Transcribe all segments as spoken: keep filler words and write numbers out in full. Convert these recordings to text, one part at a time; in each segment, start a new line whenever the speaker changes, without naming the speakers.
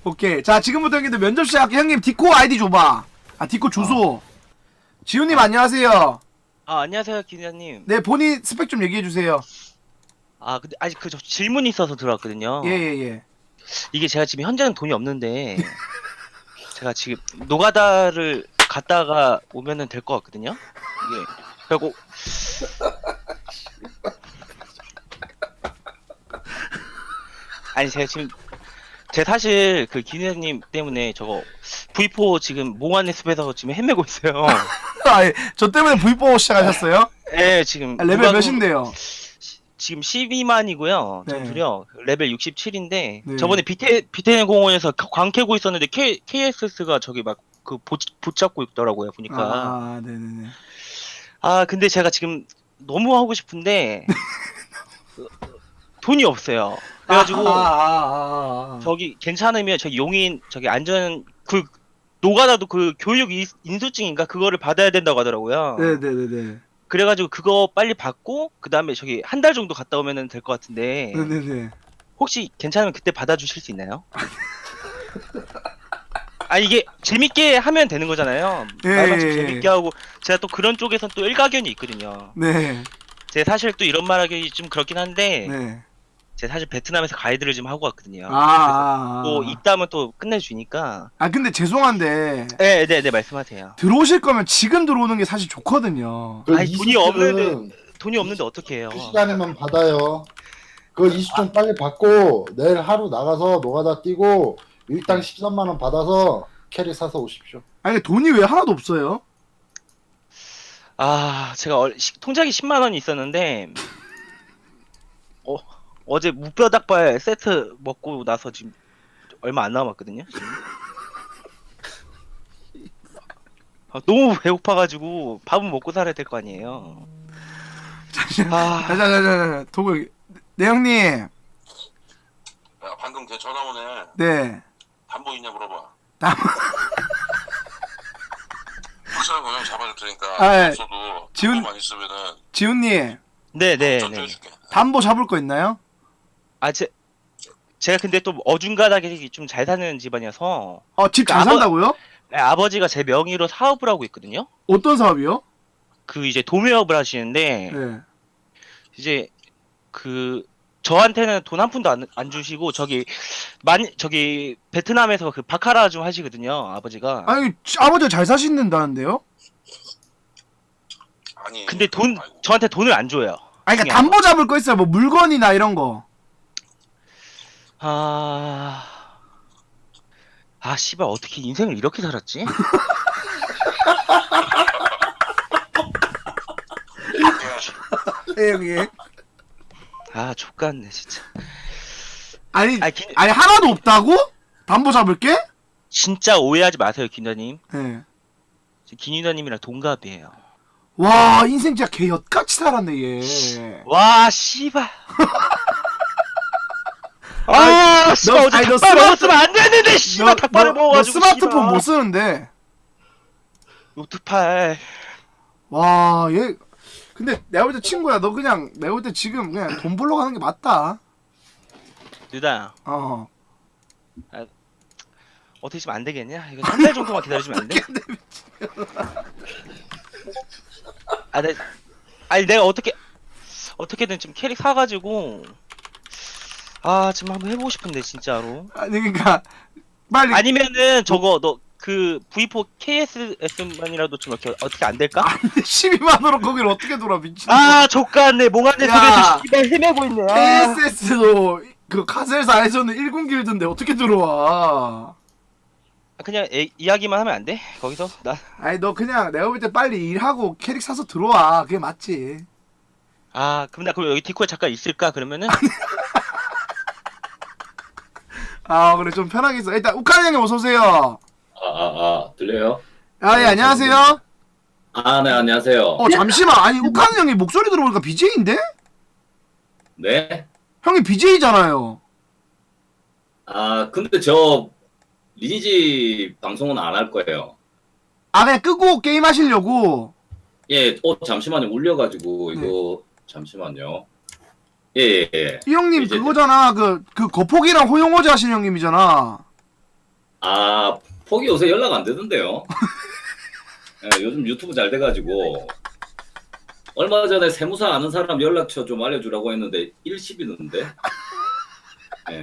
오케이. 자, 지금부터 형님들 면접 시작할게. 형님, 디코 아이디 줘봐. 아, 디코 주소. 어. 지훈님, 안녕하세요.
아, 안녕하세요, 기자님.
네, 본인 스펙 좀 얘기해주세요.
아, 근데 아직 그 저 질문이 있어서 들어왔거든요.
예, 예, 예.
이게 제가 지금 현재는 돈이 없는데, 제가 지금 노가다를 갔다가 오면은 될 것 같거든요. 이게, 그리고, 아니, 제가 지금, 제가 사실 그 기자님 때문에 저거 브이포 지금 몽환의 숲에서 지금 헤매고 있어요.
아, 예. 저 때문에 브이포 시작하셨어요?
예, 지금.
아, 레벨
누가
몇인데요?
지금 십이만이고요.
네.
전투력 레벨 육십칠인데
네.
저번에 비테 비테네 공원에서 광 캐고 있었는데 K 케이에스에스가 저기 막 그 붙잡고 있더라고요 보니까.
아, 네네네.
아 근데 제가 지금 너무 하고 싶은데 돈이 없어요. 그래가지고
아, 아, 아, 아, 아.
저기 괜찮으면 저기 용인 저기 안전 그 노가다도 그 교육 이- 인수증인가 그거를 받아야 된다고 하더라고요.
네네네네.
그래가지고 그거 빨리 받고 그 다음에 저기 한 달 정도 갔다 오면은 될 것 같은데.
네네네.
혹시 괜찮으면 그때 받아주실 수 있나요? 아 이게 재밌게 하면 되는 거잖아요.
예,
말만큼
예, 예.
재밌게 하고 제가 또 그런 쪽에선 또 일가견이 있거든요.
네.
제가 사실 또 이런 말하기 좀 그렇긴 한데
네.
제가 사실 베트남에서 가이드를 좀 하고 왔거든요.
아, 아, 아.
또 입담은 또 끝내주니까.
아, 근데 죄송한데.
네, 네, 네 말씀하세요.
들어오실 거면 지금 들어오는 게 사실 좋거든요.
그
아니, 돈이 없는데
이수증은
돈이 없는데 어떻게 해요?
두 시간에만 받아요. 그 이수증 빨리 받고 내일 하루 나가서 노가다 뛰고 일당 십삼만 원 받아서 캐리 사서 오십시오.
아니, 돈이 왜 하나도 없어요?
아 제가 얼- 시- 통장에 십만 원이 있었는데 어, 어제 무뼈닭발 세트 먹고 나서 지금 얼마 안 남았거든요. 지금. 아, 너무 배고파가지고 밥은 먹고 살아야 될 거 아니에요. 아,
자자자자, 도구. 네, 형님.
야, 방금 걔 전화 오네.
네.
담보 있냐 물어봐.
담-
확실한 거면 잡아줄 테니까.
아, 예.
없어도
지훈-
담보만 있으면은
지훈님,
네네네.
전조해줄게.
담보 잡을 거 있나요?
아, 제, 제가 근데 또 어중간하게 좀 잘 사는 집안이어서
어, 집 잘
아버-
산다고요?
네, 아버지가 제 명의로 사업을 하고 있거든요.
어떤 사업이요?
그 이제 도매업을 하시는데
네.
이제 그 저한테는 돈 한 푼도 안, 안 주시고 저기 만 저기 베트남에서 그 바카라 좀 하시거든요 아버지가.
아니, 지- 아버지가 잘 사신다는데요?
아니.
근데 돈
아이고.
저한테 돈을 안 줘요.
아니, 그러니까
중요한
담보 잡을 거 있어요. 뭐 물건이나 이런 거.
아, 아, 씨발, 어떻게 인생을 이렇게 살았지?
네, 형님.
아, 족같네, 진짜.
아니,
아, 기,
아니 하나도 없다고? 담보 잡을 게?
진짜 오해하지 마세요, 김유다님.
네.
김유다님이랑 동갑이에요.
와, 인생 진짜 개 엿같이 살았네, 얘.
와, 씨발.
아니,
아, 씨발,
너-
어제
아니, 너
닭발
스마트-
먹었으면 안 되는데, 씨발,
너,
닭발을
너, 너
먹어가지고.
스마트폰
씨발.
못 쓰는데.
노트팔.
와, 얘. 근데 내가 볼 때 친구야, 너 그냥, 내가 볼 때 지금 그냥 돈 벌러 가는 게 맞다.
유다,
어.
어떻게 좀 안 되겠냐? 이거 한 달 정도만 기다려주면 안 돼? 아, 내, 아니, 내가 어떻게, 어떻게든 좀 캐릭 사가지고, 아, 지금 한번 해보고 싶은데, 진짜로.
아니, 그니까, 빨리.
아니면은, 저거, 너, 그, 브이포 케이에스에스만이라도 좀 이렇게, 어떻게 안 될까?
십이만 원으로 거기를 어떻게 돌아, 미친.
아, 족같네. 몽환의
야.
속에서 씨발 헤매고 있네. 아.
케이에스에스도 그 카셀사에서는 일 군 길드인데 어떻게 들어와?
그냥 애, 이야기만 하면 안 돼? 거기서? 나.
아니, 너 그냥 내가 볼 때 빨리 일하고 캐릭 사서 들어와. 그게 맞지.
아, 그럼 나 그럼 여기 디코에 잠깐 있을까, 그러면은?
아, 그래, 좀 편하게 있어. 일단, 우카리 형님 어서오세요.
아, 아, 아, 들려요?
아, 예, 안녕하세요.
아, 네, 안녕하세요.
어, 잠시만. 아니, 우카리 형님 목소리 들어보니까 비제이인데?
네?
형이 비제이잖아요.
아, 근데 저 리니지 방송은 안 할 거예요.
아, 그냥 끄고 게임 하시려고.
예, 어, 잠시만요. 울려가지고, 이거, 잠시만요. 예, 예, 예.
이 형님
이제-
그거잖아. 그, 그 거폭이랑 호용호제 하시는 형님이잖아.
아, 폭이 요새 연락 안 되던데요. 예, 요즘 유튜브 잘 돼가지고 얼마 전에 세무사 아는 사람 연락처 좀 알려주라고 했는데 일십이던데. 예.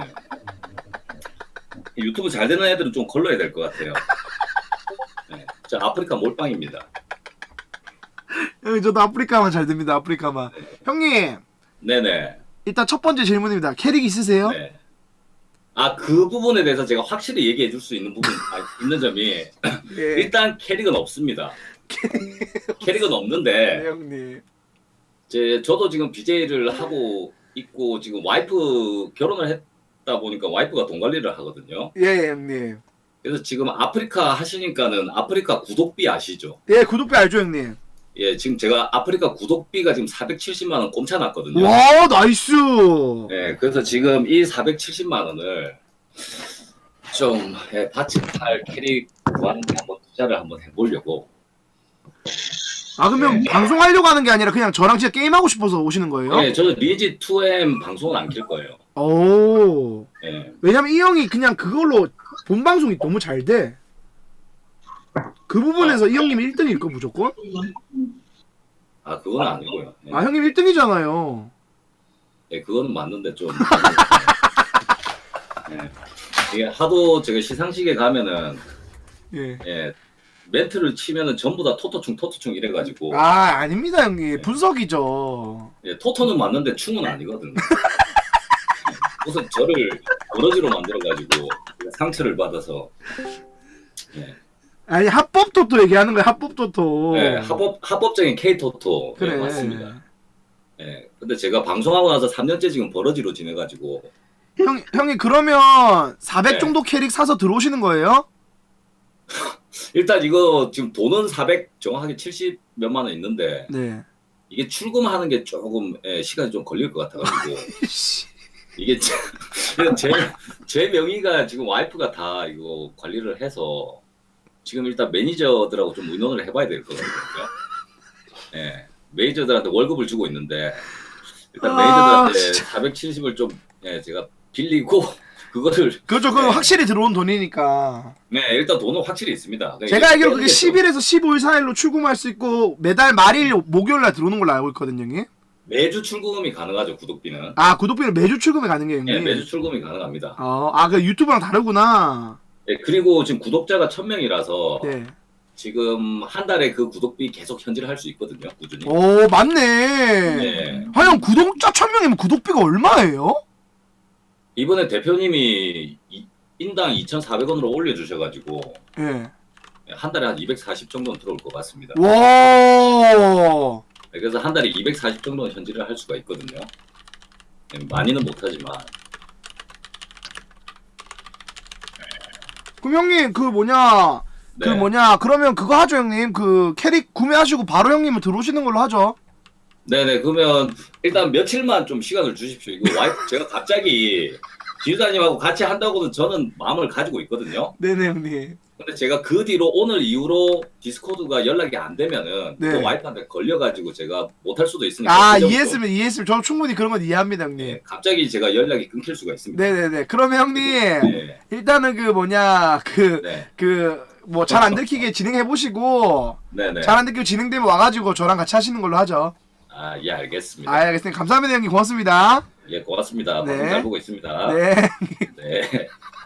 유튜브 잘 되는 애들은 좀 걸러야 될 것 같아요. 예, 저 아프리카 몰빵입니다.
형님 저도 아프리카만 잘 됩니다. 아프리카만. 형님
네네.
일단 첫 번째 질문입니다. 캐릭 있으세요?
네. 아, 그 부분에 대해서 제가 확실히 얘기해 줄 수 있는 부분, 아, 있는 점이,
예.
일단 캐릭은 없습니다. 캐릭은
네,
없는데,
형님.
제, 저도 지금 비제이를 하고 있고, 지금 와이프 결혼을 했다 보니까 와이프가 돈 관리를 하거든요.
예, 예, 형님.
그래서 지금 아프리카 하시니까는 아프리카 구독비 아시죠?
예, 구독비 알죠, 형님?
예, 지금 제가 아프리카 구독비가 지금 사백칠십만 원 꼼차 났거든요.
와, 나이스.
예, 그래서 지금 이 사백칠십만 원을 좀 예, 바치할 캐릭터한테 한번 투자를 한번 해보려고.
아, 그러면
네.
방송하려고 하는 게 아니라 그냥 저랑 진짜 게임하고 싶어서 오시는 거예요?
예, 저는 리니지 투엠 방송은 안 킬 거예요.
오.
예,
왜냐면 이 형이 그냥 그걸로 본 방송이 너무 잘 돼. 그 부분에서 이 형님 일 등일 거 무조건?
아 그건 아니고요. 예,
아, 형님 일 등이잖아요.
예, 그거는 맞는데 좀. 예, 이게 하도 제가 시상식에 가면은
예.
예, 멘트를 치면은 전부 다 토토충 토토충 이래가지고.
아, 아닙니다, 형님. 분석이죠.
예, 토토는 맞는데 충은 아니거든. 우선 저를 버러지로 만들어가지고 상처를 받아서. 예.
아니, 합법 토토 얘기하는 거야, 합법 토토.
네, 합법 합법적인 K 토토.
그래.
네, 맞습니다. 예. 근데 제가 방송하고 나서 삼 년째 지금 버러지로 지내가지고
형, 형님, 그러면 사백
네.
정도 캐릭 사서 들어오시는 거예요?
일단 이거 지금 돈은 사백 정확하게 칠십 몇만 원 있는데
네.
이게 출금하는 게 조금 예, 시간이 좀 걸릴 것 같아가지고 이게 제, 제, 제 명의가 지금 와이프가 다 이거 관리를 해서 지금 일단 매니저들하고 좀 의논을 해봐야 될 것 같거든요. 예, 매니저들한테 월급을 주고 있는데 일단
아,
매니저들한테
진짜.
사백칠십을 좀 예, 제가 빌리고 그거를
그렇죠. 그거
네.
확실히 들어온 돈이니까.
네 일단 돈은 확실히 있습니다. 그러니까
제가
이게
알기로
빼는
그게
게 좀-
십 일에서 십오 일 사이로 출금할 수 있고 매달 말일 목요일 날 들어오는 걸로 알고 있거든요, 형님.
매주 출금이 가능하죠 구독비는.
아, 구독비는 매주 출금이 가능해요, 형님.
예, 매주 출금이 가능합니다.
어, 아, 그 유튜브랑 다르구나.
예, 그리고 지금 구독자가 천 명이라서
네.
지금 한 달에 그 구독비 계속 현질을 할 수 있거든요, 꾸준히.
오, 맞네.
네.
아, 형 구독자 천 명이면 구독비가 얼마예요?
이번에 대표님이 이- 인당 이천사백 원으로 올려주셔가지고
예.
한 달에 한 이백사십 정도는 들어올 것 같습니다.
와.
네, 그래서 한 달에 이백사십 정도는 현질을 할 수가 있거든요. 네, 많이는 못하지만.
그럼 형님 그 뭐냐 그
네.
뭐냐 그러면 그거 하죠, 형님. 그 캐릭 구매하시고 바로 형님은 들어오시는 걸로 하죠.
네네, 그러면 일단 며칠만 좀 시간을 주십시오. 이거 와이프, 제가 갑자기 기자님하고 같이 한다고는 저는 마음을 가지고 있거든요.
네네, 형님.
근데 제가 그 뒤로 오늘 이후로 디스코드가 연락이 안 되면은
네.
또 와이프한테 걸려가지고 제가 못할 수도 있으니까.
아,
그 점도,
이해했으면 이해했으면 저 충분히 그런 건 이해합니다, 형님.
예, 갑자기 제가 연락이 끊길 수가 있습니다.
네네네. 그러면 형님
네.
일단은 그 뭐냐 그
네.
그 뭐 잘 안 들키게 진행해 보시고
네네.
잘 안 들키고 진행되면 와가지고 저랑 같이 하시는 걸로 하죠.
아, 예, 알겠습니다.
아, 알겠습니다. 감사합니다, 형님. 고맙습니다.
예, 고맙습니다.
네.
방송 잘 보고 있습니다.
네.
네.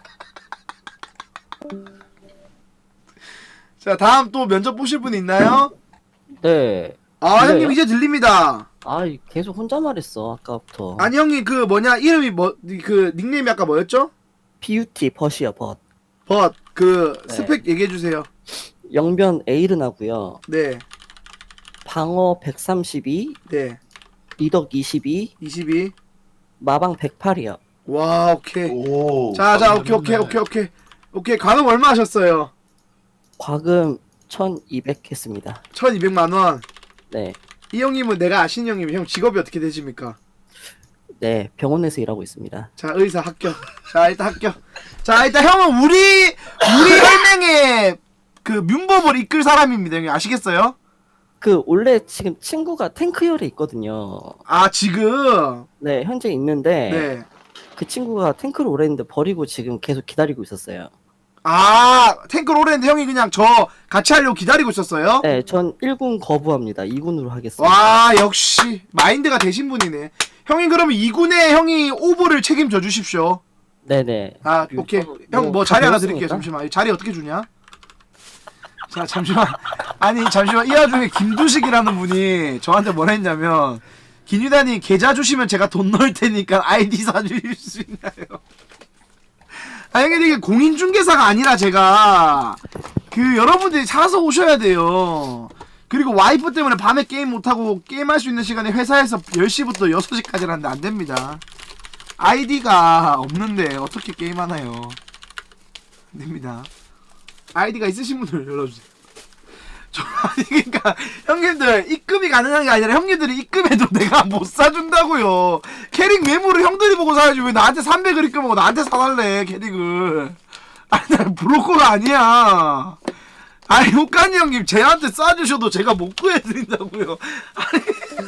자, 다음 또 면접 보실 분 있나요?
네.
아,
들려요?
형님 이제 들립니다.
아, 계속 혼자 말했어, 아까부터.
아니, 형님 그 뭐냐 이름이 뭐 그 닉네임이 아까 뭐였죠?
피유티 벗이요, 벗.
벗 그
네.
스펙 얘기해 주세요.
영변 에일은 하고요.
네.
방어 백삼십이,
네.
리덕 이십이,
이십이.
마방 백팔이요.
와, 오케이.
오.
자, 자, 오케이, 오케이, 오케이, 오케이. 오케이. 과금 얼마 하셨어요?
과금 천이백 했습니다.
천이백만 원.
네.
이 형님은 내가 아시는 형님, 형 직업이 어떻게 되십니까?
네, 병원에서 일하고 있습니다.
자, 의사 합격. 자, 일단 합격. 자, 일단 형은 우리 우리 헬맹의 그 윤법을 이끌 사람입니다, 형님. 아시겠어요?
그 원래 지금 친구가 탱크열에 있거든요.
아, 지금.
네, 현재 있는데
네.
그 친구가 탱크를 오래 했는데 버리고 지금 계속 기다리고 있었어요.
아 탱크를 오래 했는데 형이 그냥 저 같이 하려고 기다리고 있었어요?
네, 전 일 군 거부합니다. 이 군으로 하겠습니다.
와 역시 마인드가 되신 분이네. 형이 그러면 이 군에 형이 오버를 책임져 주십시오.
네네.
아 오케이
뭐,
형 뭐
다
자리 하나
배웠으니까.
드릴게요. 잠시만 이 자리 어떻게 주냐? 자 잠시만 아니 잠시만 이 와중에 김두식이라는 분이 저한테 뭐라 했냐면 김유단이 계좌 주시면 제가 돈 넣을 테니까 아이디 사주실 수 있나요? 아 형님 이게 공인중개사가 아니라 제가 그 여러분들이 사서 오셔야 돼요. 그리고 와이프 때문에 밤에 게임 못하고 게임할 수 있는 시간에 회사에서 열 시부터 여섯 시까지라는데 안됩니다. 아이디가 없는데 어떻게 게임하나요? 안됩니다. 아이디가 있으신 분들 열어주세요. 저 아니 그니까 형님들 입금이 가능한 게 아니라 형님들이 입금해도 내가 못 사준다고요. 캐릭 메모를 형들이 보고 사야지 왜 나한테 삼백을 입금하고 나한테 사달래 캐릭을. 아니 나 브로커가 아니야. 아니 호까니 형님 쟤한테 쏴주셔도 제가 못 구해드린다고요. 아니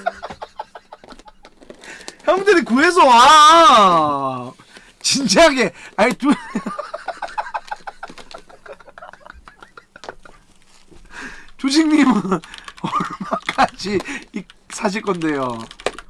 형들이 구해서 와 진지하게. 아니 두 주식님은 얼마까지 이, 사실 건데요?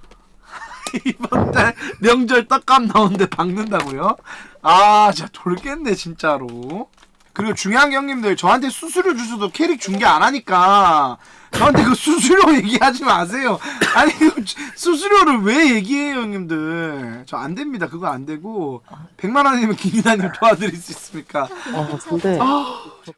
이번 달 명절 떡값 나오는데 박는다고요? 아 진짜 돌겠네 진짜로. 그리고 중요한 게 형님들 저한테 수수료 주셔도 캐릭 중개 안 하니까 저한테 그 수수료 얘기하지 마세요. 아니 그 수수료를 왜 얘기해요 형님들. 저 안 됩니다. 그거 안 되고 백만 원이면 김이나님 도와드릴 수 있습니까?
아 근데